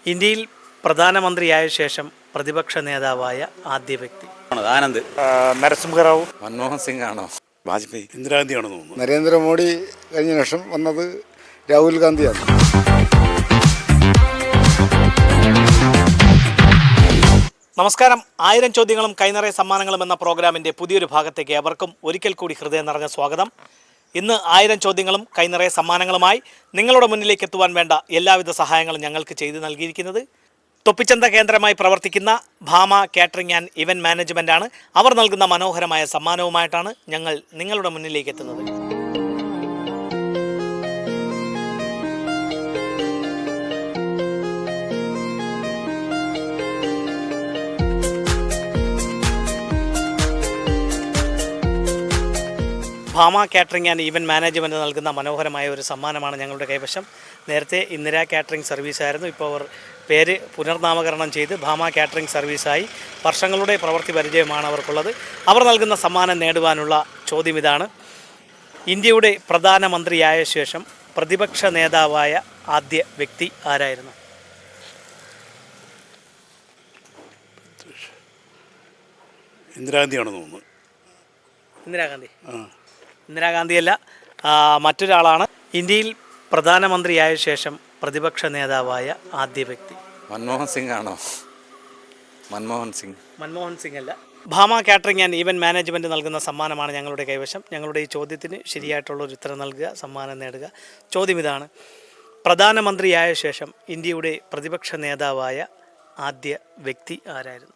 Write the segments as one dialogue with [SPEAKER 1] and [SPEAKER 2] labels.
[SPEAKER 1] ഇന്ത്യയിൽ പ്രധാനമന്ത്രിയായ ശേഷം പ്രതിപക്ഷ നേതാവായ ആദ്യ വ്യക്തി
[SPEAKER 2] ആനന്ദ്.
[SPEAKER 3] നരസിംഹറാവു.
[SPEAKER 2] മൻമോഹൻ സിംഗ് ആണോ? വാജ്പേയി.
[SPEAKER 3] ഇന്ദിരാഗാന്ധിയാണെന്ന് തോന്നുന്നു.
[SPEAKER 4] നരേന്ദ്രമോദി കഴിഞ്ഞ ശേഷം വന്നത് രാഹുൽ ഗാന്ധിയാണ്.
[SPEAKER 1] നമസ്കാരം. 1000 ചോദ്യങ്ങളും കൈനിറയ സമ്മാനങ്ങളും എന്ന പ്രോഗ്രാമിൻ്റെ പുതിയൊരു ഭാഗത്തേക്ക് ഏവർക്കും ഒരിക്കൽ കൂടി ഹൃദയം നിറഞ്ഞ സ്വാഗതം. ഇന്ന് 1000 ചോദ്യങ്ങളും കൈനിറയ സമ്മാനങ്ങളുമായി നിങ്ങളുടെ മുന്നിലേക്ക് എത്തുവാൻ വേണ്ട എല്ലാവിധ സഹായങ്ങളും ഞങ്ങൾക്ക് ചെയ്തു നൽകിയിരിക്കുന്നത് തൊപ്പിച്ചന്ത കേന്ദ്രമായി പ്രവർത്തിക്കുന്ന ഭാമ കാറ്ററിംഗ് ആൻഡ് ഇവൻറ്റ് മാനേജ്മെൻറ്റാണ്. അവർ നൽകുന്ന മനോഹരമായ സമ്മാനവുമായിട്ടാണ് ഞങ്ങൾ നിങ്ങളുടെ മുന്നിലേക്ക് എത്തുന്നത്. Bhama catering and event management നൽകുന്ന മനോഹരമായ ഒരു സമ്മാനമാണ് ഞങ്ങളുടെ കൈവശം. നേരത്തെ ഇന്ദിര കാറ്ററിംഗ് സർവീസായിരുന്നു. ഇപ്പോൾ അവർ പേര് പുനർനാമകരണം ചെയ്ത് ഭാമ കാറ്ററിംഗ് സർവീസായി. വർഷങ്ങളുടെ പ്രവൃത്തി പരിചയമാണ് അവർക്കുള്ളത്. അവർ നൽകുന്ന സമ്മാനം നേടുവാനുള്ള ചോദ്യം ഇതാണ്: ഇന്ത്യയുടെ പ്രധാനമന്ത്രിയായ ശേഷം പ്രതിപക്ഷ നേതാവായ ആദ്യ വ്യക്തി ആരായിരുന്നു?
[SPEAKER 3] ഇന്ദിരാഗാന്ധിയാണെന്ന് തോന്നുന്നു.
[SPEAKER 1] ഇന്ദിരാഗാന്ധി? ഇന്ദിരാഗാന്ധിയല്ല, മറ്റൊരാളാണ്. ഇന്ത്യയിൽ പ്രധാനമന്ത്രിയായ ശേഷം പ്രതിപക്ഷ നേതാവായ ആദ്യ വ്യക്തി
[SPEAKER 2] മൻമോഹൻ സിംഗ് ആണോ? മൻമോഹൻ സിംഗ്
[SPEAKER 1] അല്ല. Bhama catering and event management നൽകുന്ന സമ്മാനമാണ് ഞങ്ങളുടെ കൈവശം. ഞങ്ങളുടെ ഈ ചോദ്യത്തിന് ശരിയായിട്ടുള്ളൊരു ഉത്തരം നൽകുക, സമ്മാനം നേടുക. ചോദ്യം ഇതാണ്: പ്രധാനമന്ത്രിയായ ശേഷം ഇന്ത്യയുടെ പ്രതിപക്ഷ നേതാവായ ആദ്യ വ്യക്തി ആരായിരുന്നു?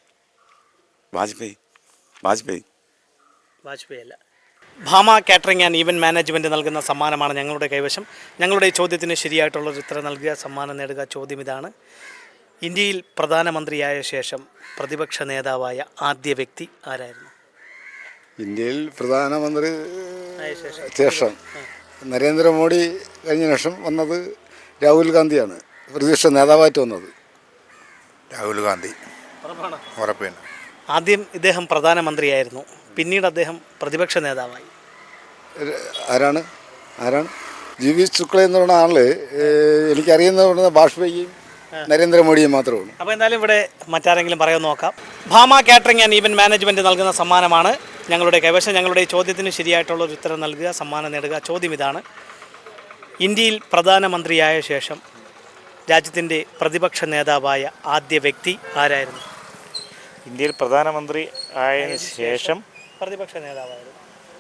[SPEAKER 2] വാജ്പേയി
[SPEAKER 1] അല്ല. Bhama catering and event management നൽകുന്ന സമ്മാനമാണ് ഞങ്ങളുടെ കൈവശം. ഞങ്ങളുടെ ഈ ചോദ്യത്തിന് ശരിയായിട്ടുള്ളൊരു ഉത്തരം നൽകുക, സമ്മാനം നേടുക. ചോദ്യം ഇതാണ്: ഇന്ത്യയിൽ പ്രധാനമന്ത്രിയായ ശേഷം പ്രതിപക്ഷ നേതാവായ ആദ്യ വ്യക്തി ആരായിരുന്നു?
[SPEAKER 4] ഇന്ത്യയിൽ പ്രധാനമന്ത്രി ശേഷം നരേന്ദ്രമോദി കഴിഞ്ഞ ശേഷം വന്നത് രാഹുൽ ഗാന്ധിയാണ് പ്രതിപക്ഷ നേതാവായിട്ട് വന്നത്.
[SPEAKER 3] രാഹുൽ ഗാന്ധി ഉറപ്പാണ്.
[SPEAKER 1] ആദ്യം ഇദ്ദേഹം പ്രധാനമന്ത്രിയായിരുന്നു, പിന്നീട് അദ്ദേഹം പ്രതിപക്ഷ നേതാവായി.
[SPEAKER 4] ആരാണ് ജി.വി. ശുക്ല എന്ന് പറയുന്ന ആള് എനിക്കറിയുന്ന വാജ്പേയിയും നരേന്ദ്രമോദിയും മാത്രമേ ഉള്ളൂ.
[SPEAKER 1] അപ്പോൾ എന്തായാലും ഇവിടെ മറ്റാരെങ്കിലും പറയാമെന്ന് നോക്കാം. Bhama catering and event management നൽകുന്ന സമ്മാനമാണ് ഞങ്ങളുടെ കൈവശം. ഞങ്ങളുടെ ഈ ചോദ്യത്തിന് ശരിയായിട്ടുള്ളൊരു ഉത്തരം നൽകുക, സമ്മാനം നേടുക. ചോദ്യം ഇതാണ്: ഇന്ത്യയിൽ പ്രധാനമന്ത്രിയായ ശേഷം രാജ്യത്തിൻ്റെ പ്രതിപക്ഷ നേതാവായ ആദ്യ വ്യക്തി ആരായിരുന്നു?
[SPEAKER 3] ഇന്ത്യയിൽ പ്രധാനമന്ത്രി ആയതിനു ശേഷം
[SPEAKER 1] പ്രതിപക്ഷ നേതാവായിരുന്നു.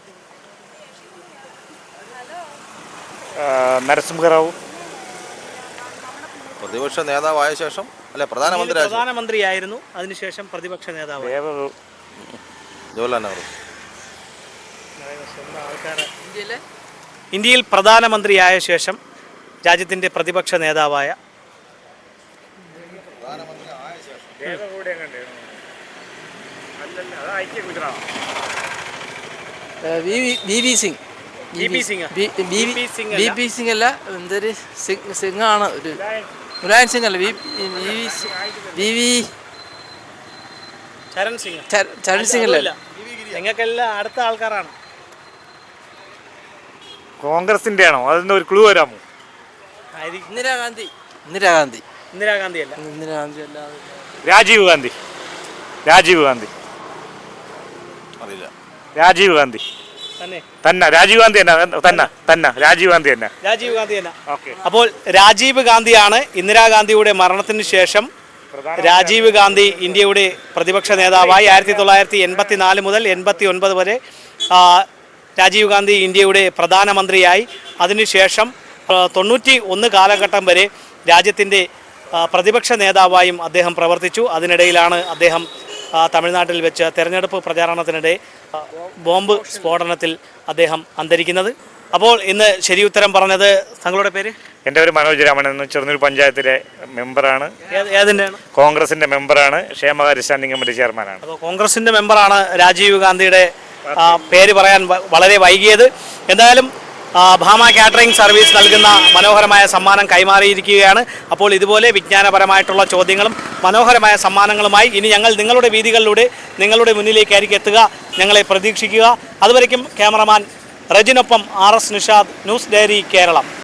[SPEAKER 3] നരസിംഹറാവു.
[SPEAKER 2] പ്രതിപക്ഷ നേതാവായ ശേഷം അല്ലെ
[SPEAKER 1] പ്രധാനമന്ത്രിയായിരുന്നു, അതിനുശേഷം പ്രതിപക്ഷ നേതാവ്.
[SPEAKER 2] ജവഹർലാൽ നെഹ്റു.
[SPEAKER 1] ഇന്ത്യയിൽ പ്രധാനമന്ത്രിയായ ശേഷം രാജ്യത്തിൻ്റെ പ്രതിപക്ഷ നേതാവായ
[SPEAKER 5] സിംഗ് അല്ല, എന്തൊരു സിംഗ് ആണ്, ഒരു മുലായം സിംഗ് അല്ല, ചരൺ സിംഗ് അല്ല.
[SPEAKER 1] നിങ്ങൾക്കെല്ലാം അടുത്ത ആൾക്കാരാണ്.
[SPEAKER 3] കോൺഗ്രസിന്റെ ആണോ? അതിന്റെ ഒരു ക്ലൂ വരാമോ?
[SPEAKER 5] ഇന്ദിരാഗാന്ധി അല്ല.
[SPEAKER 3] രാജീവ് ഗാന്ധി
[SPEAKER 2] അറിയില്ല.
[SPEAKER 3] രാജീവ് ഗാന്ധി തന്നെ.
[SPEAKER 1] അപ്പോൾ രാജീവ് ഗാന്ധിയാണ്. ഇന്ദിരാഗാന്ധിയുടെ മരണത്തിന് ശേഷം രാജീവ് ഗാന്ധി ഇന്ത്യയുടെ പ്രതിപക്ഷ നേതാവായി. 1984 മുതൽ 89 വരെ രാജീവ് ഗാന്ധി ഇന്ത്യയുടെ പ്രധാനമന്ത്രിയായി. അതിനുശേഷം 91 കാലഘട്ടം വരെ രാജ്യത്തിൻ്റെ പ്രതിപക്ഷ നേതാവായും അദ്ദേഹം പ്രവർത്തിച്ചു. അതിനിടയിലാണ് അദ്ദേഹം തമിഴ്നാട്ടിൽ വെച്ച് തെരഞ്ഞെടുപ്പ് പ്രചാരണത്തിനിടെ ബോംബ് സ്ഫോടനത്തിൽ അദ്ദേഹം അന്തരിക്കുന്നത്. അപ്പോൾ ഇന്ന് ശരിയുത്തരം പറഞ്ഞത്, താങ്കളുടെ പേര്?
[SPEAKER 3] എൻ്റെ പേര് മനോജ് രാമൻ. ചെറുന്നൂർ പഞ്ചായത്തിലെ മെമ്പറാണ്.
[SPEAKER 1] ഏതിൻ്റെയാണ്?
[SPEAKER 3] കോൺഗ്രസിൻ്റെ മെമ്പറാണ്. ക്ഷേമകാര്യ സ്റ്റാൻഡിംഗ് കമ്മിറ്റി ചെയർമാനാണ്.
[SPEAKER 1] അപ്പോൾ കോൺഗ്രസിൻ്റെ മെമ്പറാണ്. രാജീവ് ഗാന്ധിയുടെ പേര് പറയാൻ വളരെ വൈകിയത്. എന്തായാലും ഭാമ കാറ്ററിംഗ് സർവീസ് നൽകുന്ന മനോഹരമായ സമ്മാനം കൈമാറിയിരിക്കുകയാണ്. അപ്പോൾ ഇതുപോലെ വിജ്ഞാനപരമായിട്ടുള്ള ചോദ്യങ്ങളും മനോഹരമായ സമ്മാനങ്ങളുമായി ഇനി ഞങ്ങൾ നിങ്ങളുടെ വീതികളിലൂടെ നിങ്ങളുടെ മുന്നിലേക്കായിരിക്കും എത്തുക. ഞങ്ങളെ പ്രതീക്ഷിക്കുക. അതുവരയ്ക്കും ക്യാമറമാൻ റജിനൊപ്പം RS Nishad, news diary Keralam.